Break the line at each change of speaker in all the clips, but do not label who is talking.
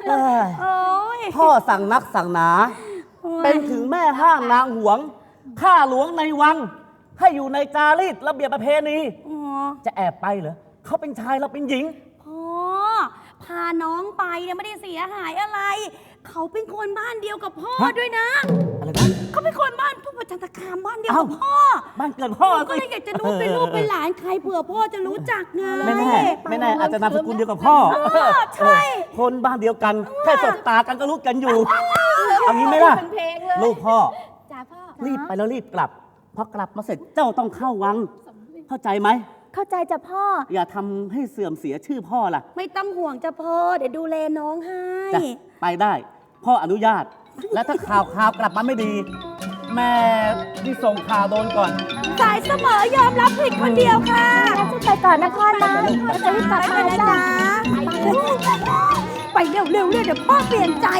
โอ้ย
พ่อสั่งนักสั่งหนา เป็นถึงแม่ห้ามนางหวงข้าหลวงในวัง ให้อยู่ในจารีตระเบียบประเพณี
อ๋อ
จะแอบไปเหรอเขาเป็นชายเราเป็นหญิง
พ่อพาน้องไปเนี่ยไม่ได้เสียหายอะไร เขาเป็นคนบ้านเดียวกับพ่อ
ฮะ
ด้วยนะ
อะไรนะ
เขาเป็นคนบ้านผู้ประจันตคามบ้านเดียว
เอ้า
กับพ่อ
บ้านเกิดพ่อ
ก็เลยอยากจะรู้เป็นลูกเป็นหลานใครเผื่อพ่อจะรู้จักไง
ไม่แน่ไม่แน่อาจจะนามสกุลเดียวกับพ่อ
ใช่
คนบ้านเดียวกันแค่สบตากันก็รู้กันอยู่เอางี้ไหมล่ะ
เป็นเพลงเลย
ลูกพ่อ
จ้าพ่อ
รีบไปแล้วรีบกลับพอกลับมาเสร็จเจ้าต้องเข้าวัง เข้าใจไหม
เข้าใจจ้ะพ่อ
อย่าทำให้เสื่อมเสียชื่อพ่อล่ะ
ไม่ต้องห่วงจ้ะพ่อเดี๋ยวดูแลน้องให้
จ้ะไปได้ พ่ออนุญาต และถ้าข่าวกลับมาไม่ดี แม่ที่ส่งข่าวโดนก่อน
สายเสมอยอมรับผิดคนเดียวค่ะ
งั้นจะไปก่อนนะพ่อนะเราจะรีบกลับมา
นะ
จ้ะ
จ๊ะไปเร็วๆเลยเดี๋ยวพ่อเปลี่ยนใจ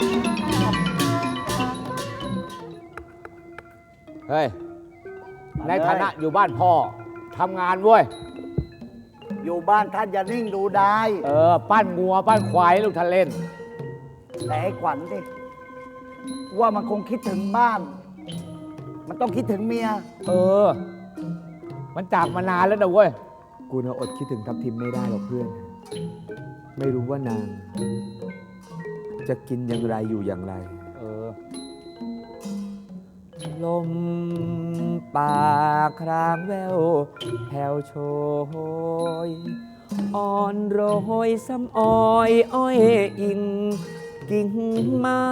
เฮ้ย ในฐานะอยู่บ้านพ่อทำงานเว้ย
อยู่บ้านท่านอย่านิ่งดูได้
ปั้นงัวปั้นควายให้ลูกท่านเล่น
แต่ไอ้ขวัญดิว่ามันคงคิดถึงบ้าน มันต้องคิดถึงเมีย
มันจากมานานแล้วนะเว้ย
กูน่ะอดคิดถึงทัพทิมไม่ได้หรอกเพื่อน ไม่รู้ว่านาง จะกินอย่างไรอยู่อย่างไร ลมป่าครางแววแผ่วโชยอ่อนโรยซ้ำอ้อยอ้อยอิงกิ่งไม้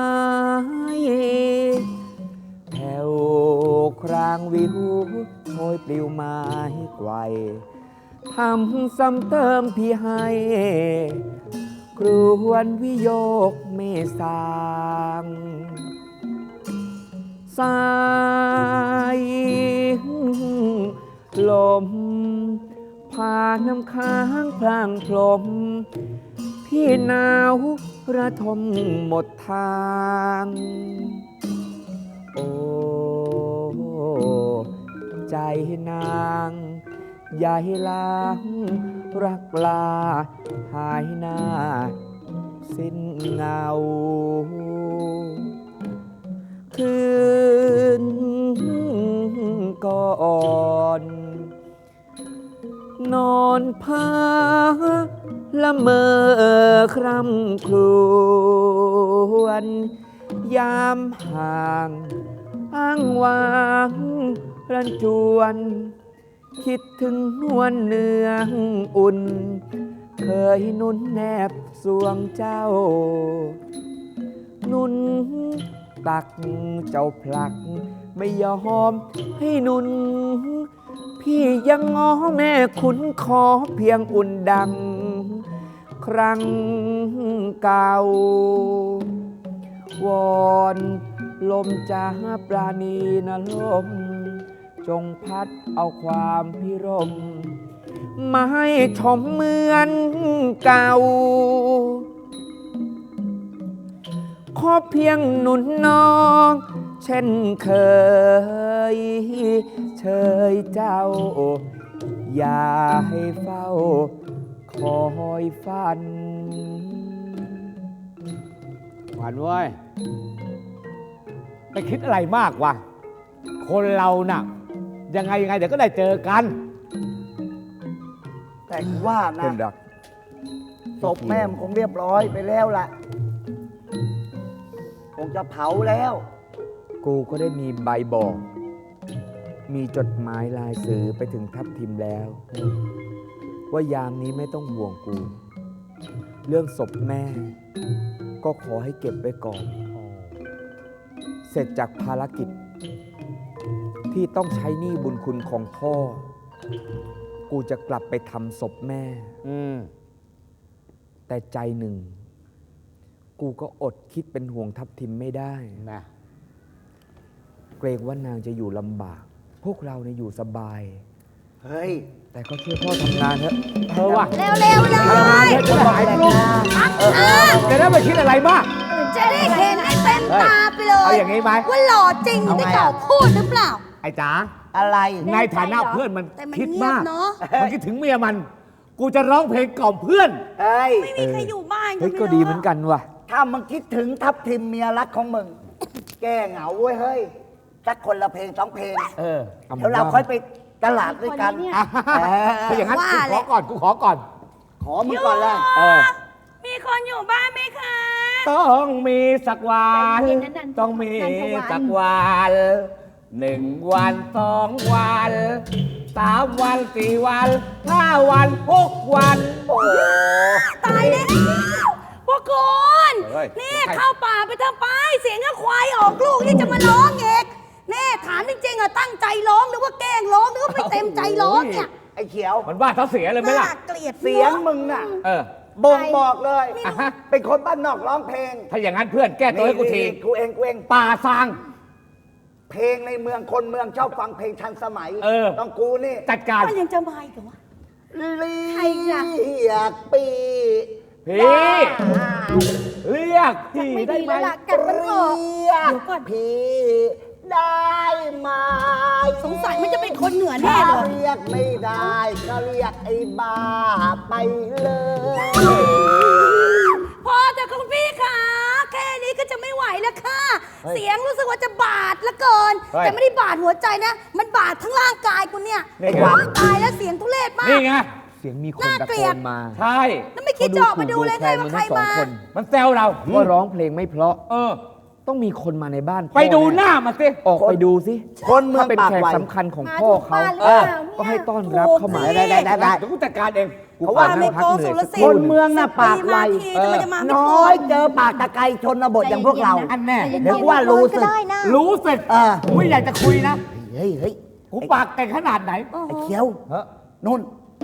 แผ่วครางวิวโชยปลิวไม้ไกวทำซ้ำเติมพี่ให้ครวนวิโยกเมสางสายลมพาน้ำค้างพลางพลมพี่หนาวระทมหมดทาง โอ้ใจนางอย่าให้ล้างรักลาหายหน้าสิ้นเงาคืนก่อนนอนเพ้อละเมอคร่ำครวญยามห่างอ้างว้างรันจวนคิดถึงนวลเนืองอุ่นเคยนุ่นแนบสวงเจ้านุ่นตักเจ้าผลักไม่ยอมให้นุ่นพี่ยังง้อแม่คุณขอเพียงอุ่นดังครั้งเก่าวอนลมจ้าปราณีนะลมจงพัดเอาความพิรมมาให้ชมเหมือนเก่าขอเพียงหนุนน้องเช่นเคยเชยเจ้าอย่าให้เฝ้าคอยฝัน
หวานเว้ย ไปคิดอะไรมากวะ คนเราน่ะ ยังไงเดี๋ยวก็ได้เจอกัน
แต่ว่านะ
เพื่อนรัก
ศพแม่มันคงเรียบร้อยไปแล้วล่ะ คงจะเผาแล้ว
กูก็ได้มีใบบอก มีจดหมายลายสื่อไปถึงทัพทิมแล้ว ว่ายามนี้ไม่ต้องห่วงกู เรื่องศพแม่ ก็ขอให้เก็บไว้ก่อน เสร็จจากภารกิจ ที่ต้องใช้หนี้บุญคุณของพ่อ กูจะกลับไปทำศพแม่ แต่ใจหนึ่ง กูก็อดคิดเป็นห่วงทัพทิมไม่ได้นะ เกรงว่านางจะอยู่ลำบาก พวกเราเนี่ยอยู่สบาย
เฮ้ย
แต่ก็ช่วยพ่อทำงานเถอะ
ว่ะ
เร็วๆเลย
จะหายไปลูกจะได้ไม่คิดอะไรมาก
จะได้เห็นให้เต็มตาไปเลย
เอาอย่างนี้ไหม
ว่าหล่อจริงได้เก่าพูดหรือเปล่า
ไอ้จ๋า
อะไร
ในฐานะเพื่อนมัน
แต่มัน
คิด
เงียบ
มาก
เนอะ
มันคิดถึงเมียมันกูจะร้องเพลงกล่อมเพื่อน
เฮ้ย
ไม่มีใครอยู่บ้าน
เฮ้ย
ไม่
ก็
รู้
ดีเหมือนกันว่ะ
ถ้ามึงคิดถึงทับทิมเมียรักของมึง แก้เหงาเว้ยเฮ้ยสักคนละเพลง2 เพลง
เออ
เดี๋ยวเราค่อยไปตลาดด้วยกัน
อ่ะถ้าอย่างนั้นกูขอก่อน กูขอก่อน
ขอมึงก่อนเลย
เออ
มีคนอยู่บ้านไหมคะ
ต้องมีสักวัน
ใจเย็นนะนัน
ต้องมี
นันทวัน
สักวัน1 วัน 2 วัน 3 วัน 4 วัน 5 วัน 6 วัน
โอ้โห
ตายแล้วพวกคุณ
เฮ้ย
นี่เข้าป่าไปทำไปเสียงก็ควายออกลูกนี่จะมาร้องเอกนี่ถามจริงๆอะตั้งใจร้องหรือว่าแกล้งร้องหรือว่าไม่เต็มใจร้องเนี่ย
ไอ้เขียว
มันว่าเขาเสียเลยไหมล่ะ
น่าเกลียด
เสียงมึงน่ะ
เออ
บ่งบอกเลย
อ่ะฮะ
เป็นคนบ้านนอกร้องเพลง
ถ้าอย่างนั้นเพื่อนแก้ตัวให้กูที
นี่กูเอง
ป่าซาง
เพลงในเมืองคนเมืองชอบฟังเพลงทันสมัย
เออ
ต้องกูนี่
จัดการ
มันยังจะมาอีกเหรอวะ
เรี
ใครล่ะ
ยกปี
พี่เรียกพี่
ไม่
ได้
ดี
ไหม
แล้วล่ะกัดมันออก
เรียกพี่ได้ไหม
สงสัยมันจะเป็นคนเหนือแน่เลย
ถ้าเรียกไม่ได้ก็เรียกไอ้บ้าไปเลย
พอแต่คุณพี่คะแค่นี้ก็จะไม่ไหวแล้วค่ะ เสียงรู้สึกว่าจะบาดเหลือเกิน
เฮ้ย
แต่ไม่ได้บาดหัวใจนะ มันบาดทั้งร่างกายกูเนี่ย
นี่ไง
โอ๊ยตายแล้วเสียงทุเรศมาก
นี่ไง
เสียงมีคน
น่า
ตะ
เกลี
โก
ยด
นมา
ใช่
แล้วไม่คิดจะออกมาดูเลยไงว่าใคร
ทั้งสอง
มา
คน
มันแซวเรา
ว่าร้องเพลงไม่เพราะ
เออ
ต้องมีคนมาในบ้านพ่อ
ไปดูห
แ
น้ามาสิ
ออกไปดูสิ
คนเมือง
ถ้าเป็น
ปาก
แขก
ไว
สำคัญของ
มา
พ่อ
ถูก
เขา
บ้านหรือเปล่าเนี่ย
ก็ให้ต้อนรับเข้ามา
ได้
ได้
ได้
เดี๋ยวกูจัดการเอง
เพราะว่า
ไม่โกสุรสิท
ค
ธิ์
นเมืองน่ะปากไว
ปีมาทีทำไมจะมาไม่
น้
พ
อยเจอปากตะไคร้ชนบทอย่างพวกเรา
อันแน่
ใจเย็นๆ
เดี๋ยวว่ารู้สึก
ก็ได้นะ
รู้สึก
เออ
กูไม่อยากจะคุยนะ
เฮ้ยเฮ้ย
กูปากเก่งขนาดไหน
ไอ้เขียว
เฮ้อ
นุ่น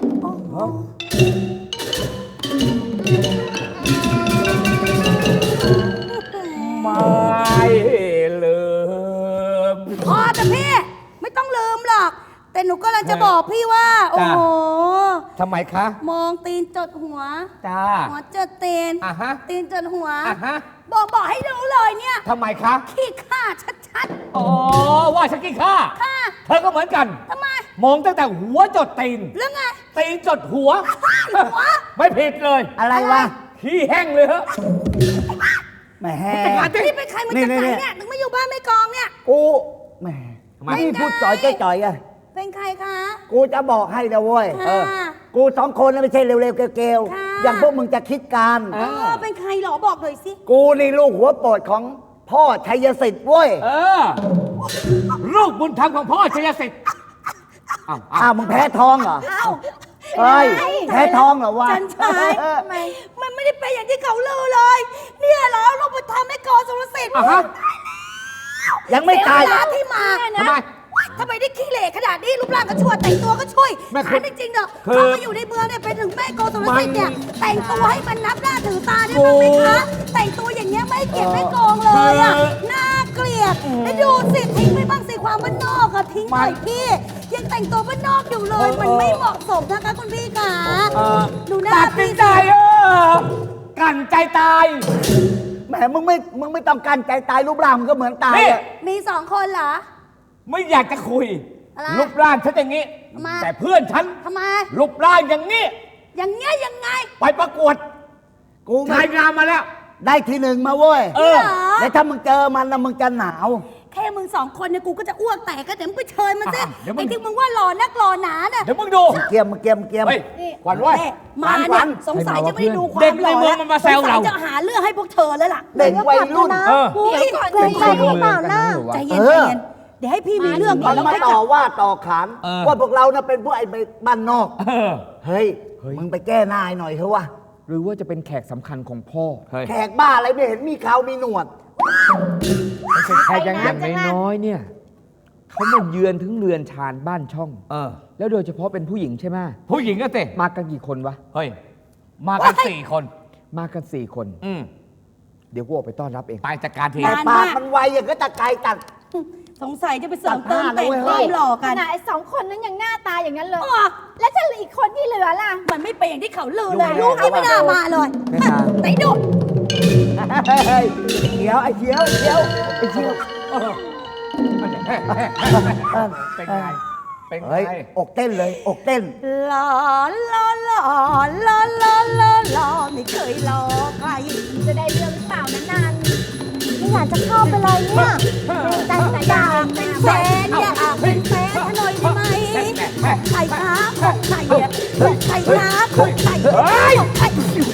ไม่ลืม
พอแต่พี่ไม่ต้องลืมหรอก แต่หนูกำลังจะบอกพี่ว่า โอ้
จ้ะ
โห
ทำไมคะ
มองตีนจดหัว
จ้า
หัวจดตีน
อ่ะฮะ
ตีนจดหัว
อ่ะฮะ
บอกให้รู้เลยเนี่ย
ทำไมคะ
ขี้ข้าชัด
อ๋อ ว่าฉันกินข้า
ๆค่ะ
เธอก็เหมือนกัน
ทำไม
มองตั้งแต่หัวจดตีน
เรื่องไง
ตีนจดหัว
หัว
ไม่ผิดเลย
อะไรวะ
ขี้แห้งเลยเหรอ
แหม
จัดการสิ
นี่เป็นใครมาจากไหนเนี่ยถึงไม่อยู่บ้านไม่กองเนี่ย
กูแหม
ทำไม
นี่พูดจ่อยจ่อยๆอะ
เป็นใครคะ
กูจะบอกให้นะเว้ย
ค่ะ
กู2 คนน่ะไม่ใช่เร็วๆเกลว
ค่ะ
ๆอย่างพวกมึงจะคิดการ
เออเป็นใครเหรอบอกหน่อยสิ
กูนี่ลูกหัวโปรดของพ่อชัยสิทธิ์เว้ย
เออ ลูกบุญธรรมของพ่อชัยสิทธิ์อ้าว
อ้าวมึงแพ้ท้องเหรอ
เอ้า
เฮ้ยแพ้ท้องเหรอวะ
จันชาย
เออ
มันไม่ได้เป็นอย่างที่เขาลือเลย เนี่ยเหรอลูกบุญธรรมแม่กอสุรสิทธิ์
อ่ะฮะ
ยังไม่ตาย
เสีเวลที่มา
ทำไม
ว้ายทำไมได้ขี้เหร่ขนาดนี้รูปร่างก็ชั่วแต่งตัวก็ช่วย
แม่
ถามจริงๆเนอะ
คือ
เขามาอยู่ในเมืองเนี่ยเป็นถึงแม่โกสุรสิทธิ์เนี่ยแต่งตัวให้มันนับหน้าถือตาได้
โอ้
บ้างไหมคะแต่งตัวอย่างเงี้ยไม่เกลียดไม่โกงเลยอะ
คือ
น่าเกลียดแล้วดูสิทิ้งไปบ้างสิความบ้านนอกอะทิ้งหน่อยพี่ ยังแต่งตัวบ้านนอกอยู่เลย มันไม่เหมาะสมนะคะคุณพี่ค่ะ
เออ
ดูหน้า
ตัดสิ
พี่
นใจกันใจตาย
แหมมึงไม่ต้องการใจตายรูปร่างมึงก็เหมือนตาย
นี่
อะ
มีสองคนเหรอ
ไม่อยากจะคุย
อะไร
รูปร่างฉันอย่างนี้
ทำไม
แต่เพื่อนฉัน
ทำไม
รูปร่างอย่างนี้
อย่างเงี้ยยังไง
ไปประกวด
กูไม่
ชายงามมาแล้ว
ได้ที่ 1มาเว้ย
เออ
เหรอ
แล้วถ้ามึงเจอมันนะมึงจะหนาว
แค่มึงสองคนเนี่ยกูก็จะอ้วกแตกก็เดี๋ยวมึงไปเชิญมันสิ
อ่ะเดี๋ยวมึง
ไอ้ที่มึงว่าหล่อนักหล่อหนาน่ะ
เดี๋ยวมึงดู
เกียม
เฮ้ยขวัญเว้ย
แม่มา
ข
เนี่
วั
ย
ญ
สงสัยจะไม่ได้ดูความ
เด็กใน
หล่อ
เมืองมันมาแซวเรา
สงสัยจะหาเรื่องให้พวกเธอแล้วล่ะ
เด็กวัยรุ่น
เออ
อุ๊ย
เกรงใจหรือเปล่าล่ะ
ใจเย็น
เอ
ใจ
อ
เย็นเดี๋ยวให้พี่มีเรื่องก่
มั
อน
น
แล้ว
มา
ค่อย
ต่
ก
อ
ลับ
ว่าต่อขาน
เออ
ว่าพวกเรานะเป็นพวกไอ้บ้านนอก
เออ
เฮ้ย มึงไปแก้หนายหน่อยเถอะวะ
หรือว่าจะเป็นแขกสำคัญของพ่อ
แขกบ้าอะไรไม่เห็นมีเขามีหนวด
แขกอย่างน้อยๆเนี่ยเขามาเยือนถึงเรือนชานบ้านช่อง
เออ
แล้วโดยเฉพาะเป็นผู้หญิงใช่ไหม
ผู้หญิงก็เตะ
มากันกี่คนวะ
เฮ้ย มากัน4 คน
มากัน4 คน
อืม
เดี๋ยวกูออกไปต้อนรับเอง
ไปจัดการที
แต่ปากมันไวอย่างก็ตะไคร้ตัด
สงสัยจะไปเสริมเติมแต่ง
ตัดหน้าเลย
ค
เว้
วาย มหล่อ
ข
กัน
นาดไอ้สองคนนั้นยังหน้าตาอย่างนั้นเลย
อ๋อ
แล้วจะเหลืออีกคนที่เหลือล่ะ
มันไม่เป็นอย่างที่เขาลือเลย
ดู
ลูกนี่ไม่น่ามาเลย
ไม่มา
ไหนดู
เฮ้ยเขียวไอ้เขียวไอ้เขียวไอ้เขียว
เป็นไงเป็นไง
เฮ้ย อกเต้นเลย อกเต้น
หล่อหล่อหล่อหล่อหล่อหล่อหล่อไม่เคยหล่อใคร
จะได้เรื่องหรือเปล่านะนัน
ไม่อยากจะเข้าไปเลยเนี่ย
ใจใจ
อยากเป็นแฟนอยากเป็นแฟนหน่อยได้ไหมของใครคะของใครอะของใครคะของใครของใคร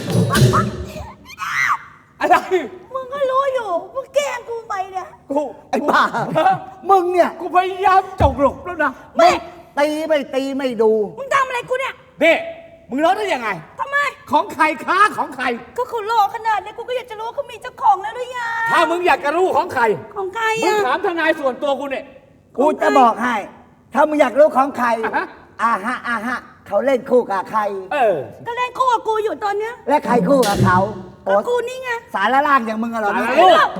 อะไร
มึงก็รู้อยู่มึงแกล้งกูไปเนี่ย
กูไอ้บ้า มึงเนี่ย
กูพยายามจกหลบแล้วนะ
ไม่ตีไม่ดู
มึงทำอะไรกูเนี่ย
นี่มึงร้องได้ยังไง
ทำไม
ของใครค้าของใคร
ก็เขาหล่อขนาดนี้กูก็อยากจะรู้ว่าเขามีเจ้าของแล้วหรือยัง
ถ้ามึงอยากจะรู้ของใคร
ของใคร
มึง
อะ
ถามทนายส่วนตัวกูเนี่ย
กูจะบอกให้ ถ้ามึงอยากรู้ของใคร
อ่าฮะ
อาฮะ เขาเล่นคู่กับใคร
เออ
ก็เล่นคู่กับกูอยู่ตอนเนี้ย
และใครคู่กับเขา
ก็กูนี่ไง
สารล่างอย่างมึงอะเหรอ
สาร
เนี่ย
ลูก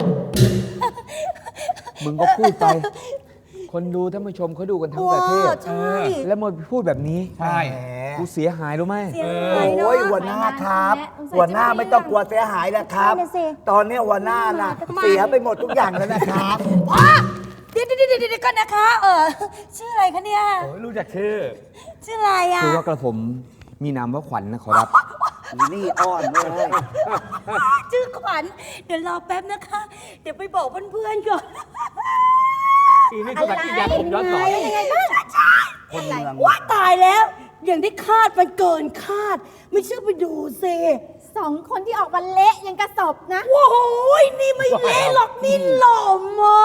มึงก็พูดไป คนดูท่านผู้ชมเขาดูกันทั้งประเทศ
ใช่
แล้วมาพูดแบบนี้
ใช่
แหม
กูเสียหายรู้ไหม
เสียหายเนอะ
โอ้ยหัวหน้าครับ หัวหน้าไม่ต้องกลัวเสียหายนะครับ
นั่นน่ะสิ
ตอนนี้หัวหน้าน่ะเสียไปหมดทุกอย่างแล้วนะครับ
พ่อเดี๋ยวก่อนนะคะ ชื่ออะไรคะเนี่ย
โอ้ยรู้จักชื่อ
ชื่ออะไรอ่ะ
คือว่ากระผมมีนามว่าขวัญนะขอรับ
นี่อ้อนเลย
ชื่อขวัญเดี๋ยวรอแป๊บนะคะ เดี๋ยวไปบอกเพื่อนๆก่อน
อีนี่คือแบบที่ยาผมย้อนสอน
ยังไงบ้าง
คนเมือง
ว่าตายแล้ว อย่างที่คาดมันเกินคาด ไม่เชื่อไปดูสิ
สองคนที่ออกมาเละยังกระสบนะ
โอ้โหนี่ไม่เละหรอกนี่หล่อมาก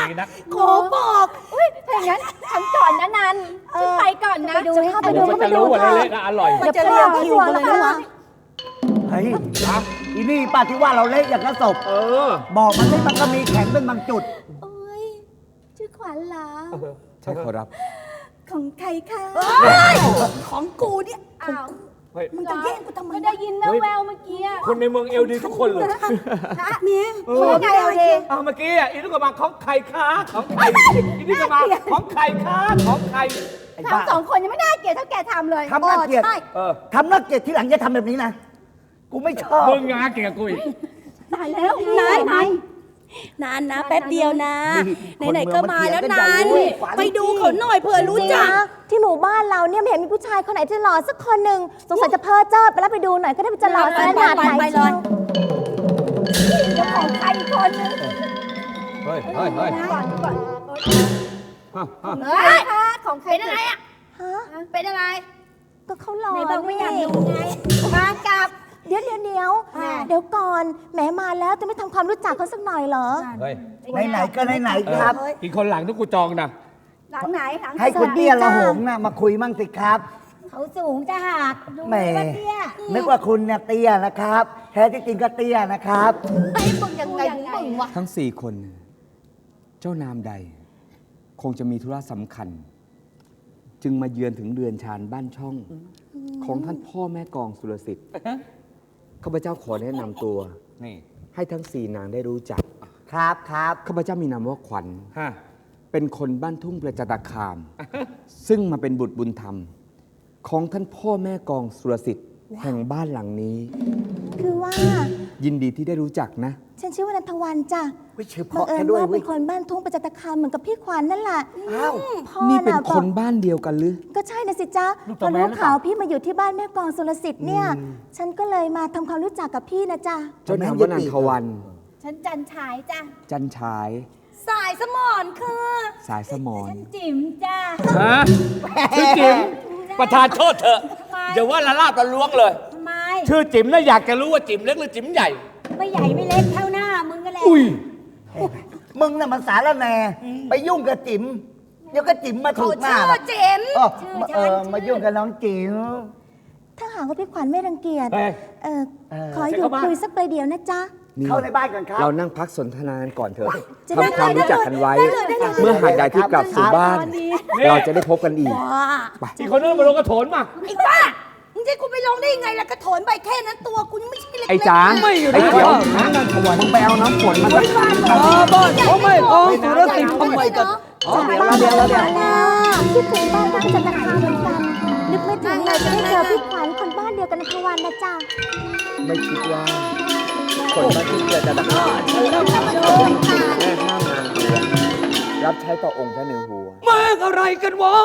ดีนัก
ขอบอก
อุ้ยถ้าอย่างนั้นฉันก่อนนะนันฉันไปก่อนนะ
ไปดูให้เข้าไปดู
ผมก็จะรู้ว่าเละๆนะอร่อย
มันจะเรียกคิวกันเลยนะวะ
เฮ้ยอีนี่ป้าที่ว่าเราเละอย่างกระสบ
เออ
บอกมันไม่มันก็มีแข็งเป็นบางจุด
โอ้ยชื่อขวัญเหรอ
ใช่ขอรับ
ของใครคะ
เฮ้ยของกูเนี่ย
อ้าว
เฮ้ย
มึงจะแย่งกูทำไม
ไม่
นะ
ได้ยินนะแววเมื่อกี้อะ
คนในเมืองเอลดีทุกคนเลย
เมีย
คนยังไงเอาดี
เอาเมื่อกี้อ่ะอีนี่ก็มาของใครค้าของใครอีนี่ก็มาของใครค้าของใคร
ไอ้บ้า
ทำสองคนยังไม่น่าเกลียดเท่าแกทำเลย
ทำน่าเกลียด
ใช่
เออ
ทำน่าเกลียดที่หลังจะทำแบบนี้นะ กูไม่ชอบ
มึงงาเก่งกับกูอีก
ตายแล้ว
นานนะแป๊บเดียวนะ
นี่
ไหนๆก็มาแล้ว
คนเมืองมัน
นาน
เถียงกันใหญ่เลย
ไปดูเขาหน่อยเผื่อรู้จัก
จงๆนะที่หมู่บ้านเราเนี่ยไม่เห็นมีผู้ชายคนไหนที่หล่อสักคนหนึ่งสงสัยจะเพ้อเจ้อไปแล้วไปดูหน่อยก็ได้มันจะหล่อขนาดไหน
ไปเล
เชีย
ย
ว
เจ้าของใครอีกคนนึง
เฮ้ยเฮ้ยเฮ้ย
ก่อนก่อน
เฮ้ย
ค่ะของใครเป็นอะไรอ่ะ
ฮะ
เป็นอะไร
ก็เขาหล่อ
ไหนบอกไม่อยาก
นี่
ดูไงมากับ
เดี๋ยวก่อนแหมมาแล้วจะไม่ทำความรู้จักเขาสักหน่อยเหรอ
เฮ้ย
ไหนๆก็ไหนๆครับ
อีกคนหลังที่กูจองนะ
หลังไหนหลัง
ให้คุณเตี้ยละหงน่ะมาคุยมั่งสิครับ
เขาสูงจะหักดู
แหม
ว่าเตี้ย
นึกว่าคุณเนี่ยเตี้ยนะครับ แท้ที่จริงก็เตี้ยนะครับ
ไอ้มึงยังไงมึงวะ
ทั้งสี่คน เจ้านามใด คงจะมีธุระสำคัญ จึงมาเยือนถึงเรือนชานบ้านช่อง ของท่านพ่อแม่กองสุรสิทธิ์ข้าพเจ้าขอแนะนำตัว
นี่
ให้ทั้งสี่นางได้รู้จัก
ครับครับ
ข้าพเจ้ามีนามว่าขวัญ
ฮะ
เป็นคนบ้านทุ่งประจัตคาม ซึ่งมาเป็นบุตรบุญธรรม ของท่านพ่อแม่กองสุรสิทธิ์แห่งบ้านหลังนี้
คือว่า
ยินดีที่ได้รู้จักนะ
ฉันชื่อว่านันทวันจ้ะ
วิชื่อเพ
บัง
ราะ
เอิ
แค่
ญ
ด้วย
ว่า
เวิ
เป็นคนบ้านทุ่งประจัตคามเหมือนกับพี่ขวัญนั่นแหละ
อ้าว
พ่อ
นี่เป็น
ะ
ค
บอก
นบ้านเดียวกันหรือ
ก็ใช่นะสิจ๊ะพอรู้ข่าวพี่มาอยู่ที่บ้านแม่กองสุรสิทธิ์เนี่ย ฉันก็เลยมาทำความรู้จักกับพี่นะจ๊ะ
เจ้านามว่านันทวัน
ฉันจันฉายจ้ะ
จันฉาย
สายสมอนคือ
สายสมอน
ฉันจิ๋มจ้ะ
ฮะชื่อจิ๋มประธานโทษเถอะอย่าว่าละลาบละล้วงเลย
ทำไม
ชื่อจิ๋มนะอยากจะรู้ว่าจิ๋มเล็กหรือจิ๋มใหญ่
ไม่ใหญ่ไม่เล็กเท่าหน้ามึงก็แหละ
อุ้ย
มึงน่ะมันสารแหน่ไปยุ่งกับจิ๋มเดี๋ยวก็จิ๋มมาถู
เขา
กหน้า
ชื่อ
หรอก
เจมส์
มายุ่งกับน้องจิ๋ม
ถ้าหากว่าพี่ขวัญไม่รังเกียจ
เฮ้ย
เออขออยู่คุยสักประเดี๋ยวนะจ๊ะ
นี่
เข้าในบ้านกันครับ
เรานั่งพักสนทนากันก่อนเถอะ
จะได้
ทำความรู้จักกันไว้
ได้เลย
เมื่อหากใดที่กลับสู่บ้าน เราจะได้พบกันอีก
ว้า
อีกคนนึงมาลงกระโถนมา
ไอ้บ้ามึงจะให้กูไปลงได้ยังไงล่ะกระโถนใบแค่นั้นตัวกูยังไม่ใช่เล็กๆ
ไอ้จ๋า
ไม่อยู่
ไอ้
นะ
เขียวนันทวันมึงไปเอาน้ำฝนมาสัก
บ้านเขาไม่กองสุรสิทธิ์ทำไมกัน
เดี๋ยว
คิดถึงบ้านทุ่งประจัตคามเหมือนกัน นึกไม่ถึงเลยจะได้เจอพี่ขวัญคนบ้านเดียวกันนันทวันนะจ๊ะ
ไม่คิดว่า คนบ้านที่เกิดจากตะขาบแม่ห้ามนางหัวรับใช้ต่อองค์พระเหนือหัว
แม่งอะไรกันวะ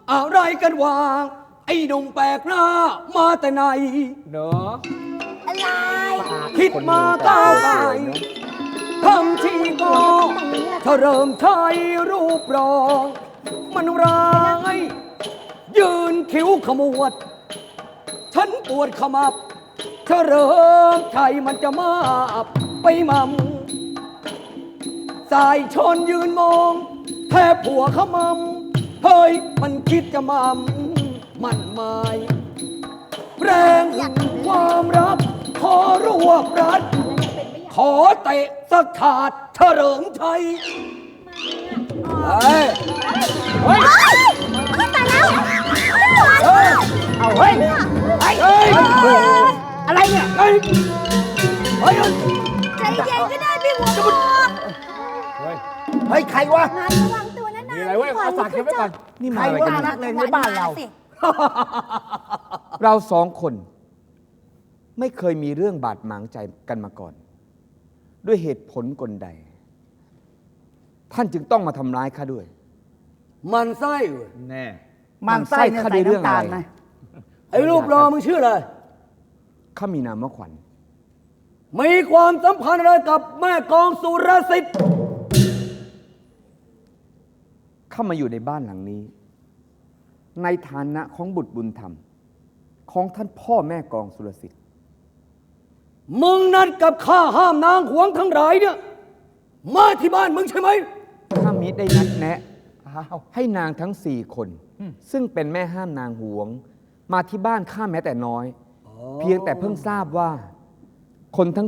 อะไรกันวะไอ้หนุ่มแปลกหน้ามาแต่ไหน
เนอะ
อะไร
คิดมาก้าวไปทำทีก็ถ้าเริ่มใช้รูปรองมันร้ายยืนคิ้วขมวด ฉันปวดขมับถ้าเริ่มใช้มันจะมาบไปมั่มสายชนยืนมองแทบผัวขมำเฮ้ยมันคิดจะมั่มมันหมายแรงความรักขอรวบรัด ขอเตะสักถาดเฉลิมชัยเฮ้ย
ตายแล้ว
เอาเฮ้ย
เฮ้ย
อะไรเนี่ย
เฮ้ยเฮ้ย
ใจเย็นก็ได้พี่หัวหมอก
เฮ้ย
เฮ้ย ใครวะ
งานระวังตัวนะ
มีอะไรเว้ยเอาฝากเก็บไว้ก่อน
นี่
ใค
มาร อะไร
ว่า
กัน
นั
เนี่ย
กเลงในบ้านเรา
สิ
เราสองคน ไม่เคยมีเรื่องบาดหมางใจกันมาก่อน ด้วยเหตุผลกลใด ท่านจึงต้องมาทำร้ายข้าด้วย
มันไส้เว้ย
แน่
มันไส้เนี่ย
ข้า
ใส่
ได้เรื่อง
น้ำตาล
อะไร
นะ
ไอ้รูปรอมึงชื่ออะไร
ข้ามีนามว่าขวัญ
มีความสัมพันธ์อะไรกับแม่กองสุรสิทธิ์
ข้ามาอยู่ในบ้านหลังนี้ ในฐานะของบุตรบุญธรรม ของท่านพ่อแม่กองสุรสิทธิ์
มึงนัดกับข้าห้ามนางหวงทั้งหลายเนี่ยมาที่บ้านมึงใช่ไหม
ข้ามิได้นัดแนะ ให้นางทั้ง4 คน ซึ่งเป็นแม่ห้ามนางหวง มาที่บ้านข้าแม้แต่น้อย เพียงแต่เพิ่งทราบว่า คนทั้ง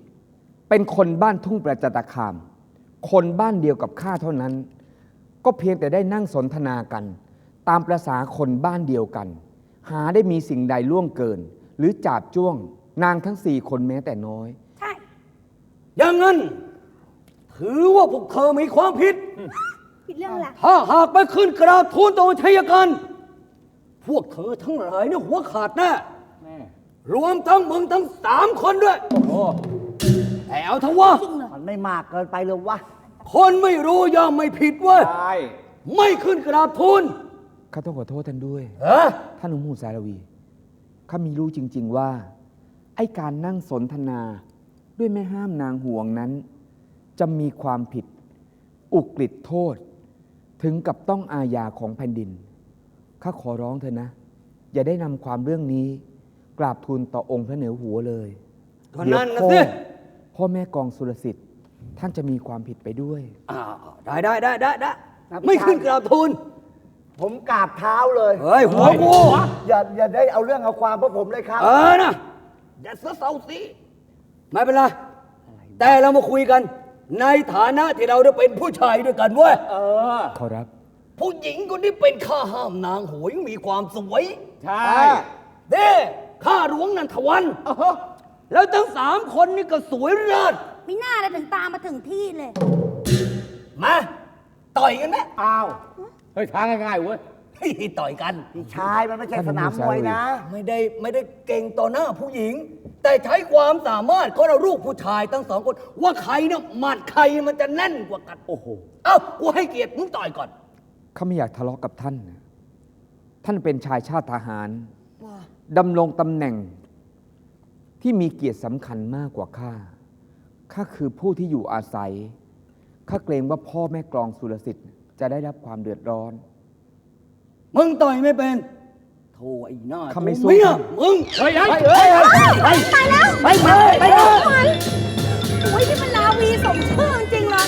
4 เป็นคนบ้านทุ่งประจันตคาม คนบ้านเดียวกับข้าเท่านั้น ก็เพียงแต่ได้นั่งสนทนากัน ตามประษาคนบ้านเดียวกัน หาได้มีสิ่งใดล่วงเกิน หรือจาบจ้วง นางทั้ง 4 คนแม้แต่น้อย
ใช่
อย่างนั้น ถือว่าพวกเธอมีความผิด
ผิดเรื่องอะไร
ถ้าหากไปขึ้นกราบทูลต่อชัยกัน พวกเธอทั้งหลายเนี่ยหัวขาดแน่ รวมทั้งมึงทั้ง3 คนด้วย
โอ้
แต่เอาเถอะวะ
มันไม่มากเกินไปเลยวะ
คนไม่รู้ย่อมไม่ผิดเว้ย
ใช่
ไม่ขึ้นกราบทูล
ข้าต้องขอโทษท่านด้วย
เฮ้ย
ท่านอมูสารวี ข้ามีรู้จริง ๆว่า ไอ้การนั่งสนทนาด้วยแม่ห้ามนางห่วงนั้น จะมีความผิด อุกฤษโทษ ถึงกับต้องอาญาของแผ่นดิน ข้าขอร้องเธอนะ อย่าได้นำความเรื่องนี้ กราบทูลต่อองค์พระเหนือหัวเลย
ก็
เดี๋ยว
นั่นนะ
พ่อ
สิ
พ่อแม่กองสุรสิทธิ์ ท่านจะมีความผิดไปด้วย
ได้ไม่ขึ้นกราบทูล
ผมกราบเท้าเลย
เฮ้ยหัวกู
อย่าได้เอาเรื่องเอาความพวกผมเลยครับ
นะอย่าเสือเสาสิไม่เป็นไร แต่เรามาคุยกัน ในฐานะที่เราได้เป็นผู้ชายด้วยกันเว้ย
ขอรับ
ผู้หญิงคนนี้เป็นข้าห้ามนางโหยมีความสวย
ใช่
เด้ข้าหลวงนันทวัน แล้วทั้ง3 คนนี่ก็สวยเลิศ
มีหน้าอะไรถึงตามมาถึงที่เลย
มาต่อยกันไหม
อ้าว เฮ้ยทางง่ายๆเว้ย
ต่อยกัน
พี่ชายมันไม่ใช่สนามมวยนะ
ไม่ได้เก่งต่อหน้าผู้หญิง แต่ใช้ความสามารถของเราลูกผู้ชายทั้ง2 คน ว่าใครเนี่ยหมัดใครมันจะแน่นกว่ากัน
โอ้โห
เอ้ากูให้เกียรติมึงต่อยก่อน
ข้าไม่อยากทะเลาะกับท่านนะท่านเป็นชายชาติทหาร ดำรงตำแหน่งที่มีเกียรติสำคัญมากกว่าข้า ข้าคือผู้ที่อยู่อาศัย ข้าเกรงว่าพ่อแม่กลองสุรสิทธิ์จะได้รับความเดือดร้อน
มึงต่อยไม่เป็นโธ่ไอ้หน้า
ข้าไม่สู้
เมียมึง
เฮ้ย
ตายแล้ว
ไปเลย
โอ้ยนี่มันลาวีสมชื่อจริงๆเลย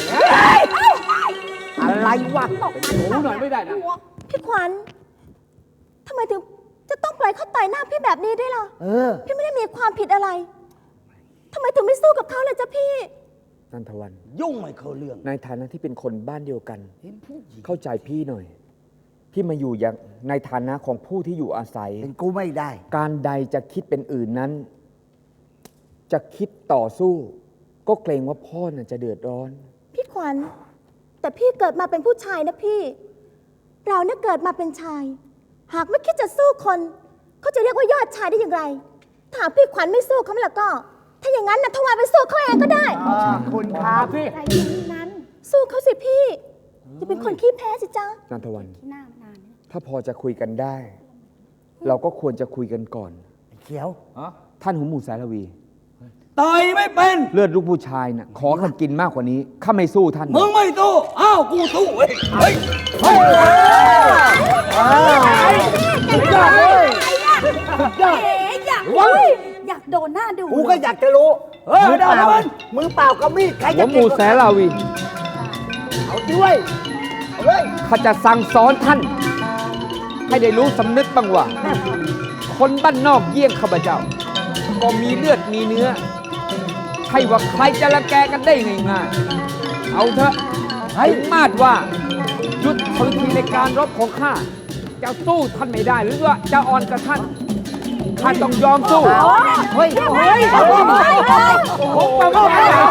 อะไรวะ
เป็นหนูหน่อยไม่ได้นะ
พี่ขวัญทำไมถึงจะต้องปล่อยเขาต่อยหน้าพี่แบบนี้ด้วยล่ะ พี่ไม่ได้มีความผิดอะไรทำไมถึงไม่สู้กับเขาเลยจ๊ะพี่
นันทวัน
ยุ่งไม่เข้าเรื่อง
ในฐานะที่เป็นคนบ้านเดียวกัน
เห็นผู้หญิง
เข้าใจพี่หน่อย พี่มาอยู่อย่างในฐานะของผู้ที่อยู่อาศัย
เป็นกูไม่ได้
การใดจะคิดเป็นอื่นนั้น จะคิดต่อสู้ ก็เกรงว่าพ่อน่ะจะเดือดร้อน
พี่ขวัญแต่พี่เกิดมาเป็นผู้ชายนะพี่ เราเนี่ยเกิดมาเป็นชาย หากไม่คิดจะสู้คนเขาจะเรียกว่ายอดชายได้อย่างไรถ้าหากพี่ขวัญไม่สู้เขาแล้วก็ ถ้าอย่างนั้นนะทวารไปสู้เขาเองก็ได้
คุณครับ
ใจเย็นนั้น
สู้เขาสิพี่จะเป็นคนขี้แพ้สิจ๊ะ
นันทวัน
ที่หน้ามานานเนี่ย
ถ้าพอจะคุยกันได้ เราก็ควรจะคุยกันก่อน
เขียว
ท่านหูหมูสารวี
ต่อยไม่เป็น
เลือดลูกผู้ชายน่ะขอข้ากินมากกว่านี้ข้าไม่สู้ท่าน
มึงไม่สู้อ้าวกูสู้เว้ยเฮ้ย
สุดยอดเลยอยากโดนหน้าดู
กูก็อยากจะรู้
เฮ้ย
มือ
ได้
เปล่า
แล้วมัน
มือเปล่ากับมีดใคร
หั
จะ
วห
เก่
มู
งกว่า
แสนลาวี
เอาด้วยเอาเลย
ข้าจะสั่งสอนท่าน ให้ได้รู้สำนึกบ้างว่า คนบ้านนอกเยี่ยงข้าพเจ้า ก็มีเลือดมีเนื้อใช่ว่าใครจะละแกกันได้ง่ายๆเอาเถอะถึงมาดว่ายุทธวิธีในการรบของข้าจะสู้ท่านไม่ได้หรือว่าจะอ่อนกับท่านข้าต้องยอมสู้
เฮ้ยเฮ้ย
ผมต้องยอม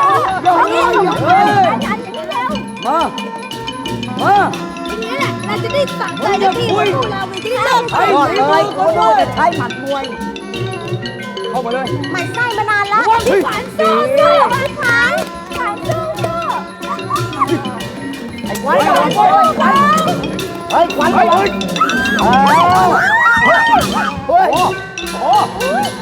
มา มา
ทีนี้แหละเราจะได้สั่งใจเจ้าที่ของเราไปที่เลิก
ไอ้
ยอดเลยโคโดจะใช้หมัดมวย
เข้ามาเลย
มันไส้มานานแล้ว
พี่ขวัญสู้
สู้มันขายขายสู้สู้
ไอ้ขวัญเฮ้ยขวัญเฮ้ยเฮ้ย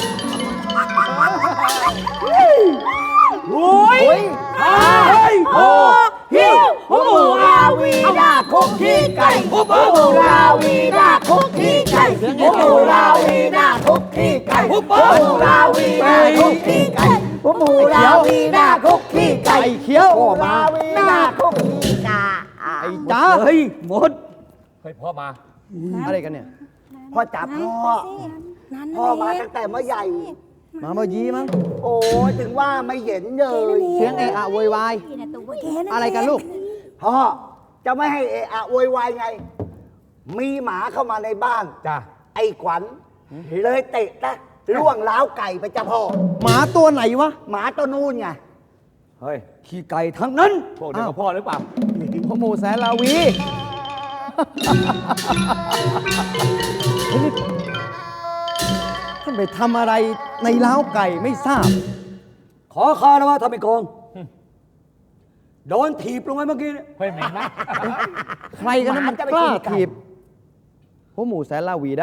โอ้ยเฮ้ยโอ้ฮิวหัวหมูราวีดาคุกขี้ไก่หัวหมูราวีดาคุกขี้ไก่หัวหมูราวีดาคุกขี้ไก่หัวหมูราวีดาคุกขี้ไก่หัวหมูราวีดาคุกขี้ไก่เขียวหัวหมูราวีดาคุกขี้ไก่ไอ้จ้า
เฮ้ยหมด
เฮ้ยพ่อมา
อะไรกันเนี่ย
พ่อจับพ่อมาตั้งแต่เมื่อใหญ่
มาเมื่อยี้มั้ง
โอ้ยถึงว่าไม่เห็นเลย
เสียงเอะอะโวยวาย อะไรกันลูก
พ่อจะไม่ให้เอะอะโวยวายไง มีหมาเข้ามาในบ้าน
จ้า
ไอ้ขวัญเลยเตะนะล่วงล้าวไก่ไปจ้ะพ่อ
หมาตัวไหนวะ
หมาตัวนู่นไง
เฮ้ย
ขี้ไก่ทั้งนั้น
พวกเดียวกับพ่อหรือเปล่า
พ่อหมูแสนลาวีเฮ้ยนี่ท่านไปทำอะไรในเล้าไก่ไม่ทราบ ขอคารวะทำไมกองโดนถีบลงไปเมื่อกี้เนี่ย
เฮ้ยเหม็นนะ
ใครกันนะมันกล้าถีบพ่อหมูแสนลาวีได้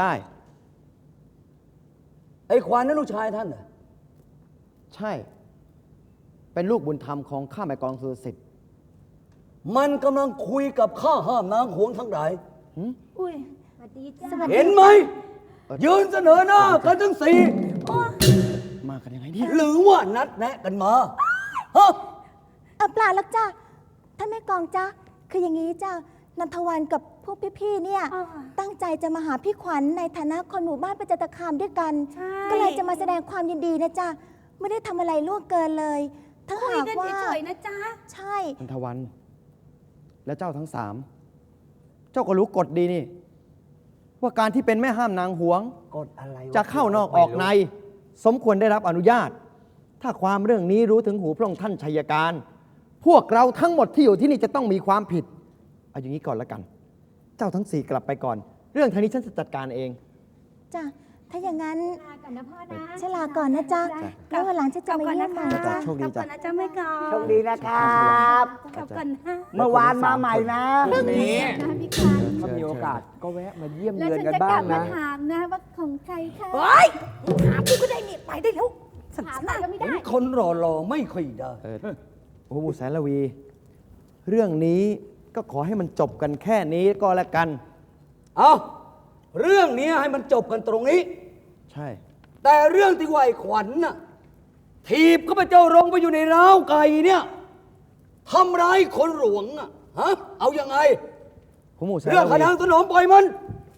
ไอ้ควานนั่นลูกชายท่านเหรอใช่ เป็นลูกบุญธรรมของข้าแม่กองสุรสิทธิ์มันกำลังคุยกับข้าห้ามนางหวงทั้งหลาย
อุ้ยสวัสดีจ้า
เห็นไหม ยืนเสนอหน้ากันทั้งสี่มากันยังไงเนี่ยหรือว่านัดแนะกันมาฮะ
เปล่าหรอกจ้าท่านแม่กองจ้าคืออย่างนี้จ้านันทวันกับพวกพี่ๆเนี่ย ตั้งใจจะมาหาพี่ขวัญในฐานะคนหมู่บ้านประจันตคามด้วยกัน ก็เลยจะมาแสดงความยินดีนะจ้าไม่ได้ทำอะไรล่วงเกินเลยถ้า
คุย
หาก
กัน
ว่า
เฉยๆนะจ๊ะ
ใช่
นันทวัน และเจ้าทั้งสาม เจ้าก็รู้กฎดีนี่ ว่าการที่เป็นแม่ห้ามนางหวง
กดอะไรว
จะเข้านอกออกใน สมควรได้รับอนุญาต ถ้าความเรื่องนี้รู้ถึงหูพระองค์ท่านชัยการ พวกเราทั้งหมดที่อยู่ที่นี่จะต้องมีความผิด เอาอย่างนี้ก่อนละกัน เจ้าทั้งสี่กลับไปก่อน เรื่องทางนี้ฉันจะจัดการเอง
จ้าถ้าอย่างนั้น
ลาก่อนนะพ่อนะ
ฉันลาก่อนนะจ้าแล้ววันหลังฉันจะมาเยี่ยมใหม่นะจ้า
โชคดีจ้ะ
กลับก่อนนะจ๊ะแม่กอ
โชคดีนะครับ
กลับก่อนนะ
เมื่อวานมาใหม่นะ
นี้
นะพี่ขวัญ
ถ้ามีโอกาสก็แวะมาเยี่ยม
แล้ว
เยือน
ฉัน
กัน
จะ
บ้าก
ลั
ง
บมา
นะ
ถามนะว่าของใครคะ
เฮ้ยถามกูก็ได้นี่ไปได้แล้วสั
ถาม
น
ไปก็ไม่ได้
เห็นคนหล่อๆไม่ค่อยได้
โอ้โหแสนละวี เรื่องนี้ก็ขอให้มันจบกันแค่นี้ก็แล้วกัน
เอาเรื่องนี้ให้มันจบกันตรงนี้
ใช่
แต่เรื่องที่ว่าไอ้ขวัญน่ะถีบข้าพเจ้าลงไปอยู่ในร้าวไก่เนี่ยทำร้ายคนหลวงอ่ะฮะเอายังไง
ผมหมูแสน
เรื่อง
ละ
ข
วี
นางสนมปล่อยมัน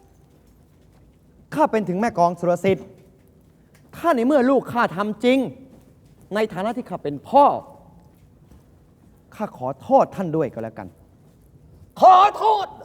ข้าเป็นถึงแม่กองสุรสิทธิ์ถ้าในเมื่อลูกข้าทำจริง ในฐานะที่ข้าเป็นพ่อ ข้าขอโทษท่านด้วยก็แล้วกัน
ขอโทษ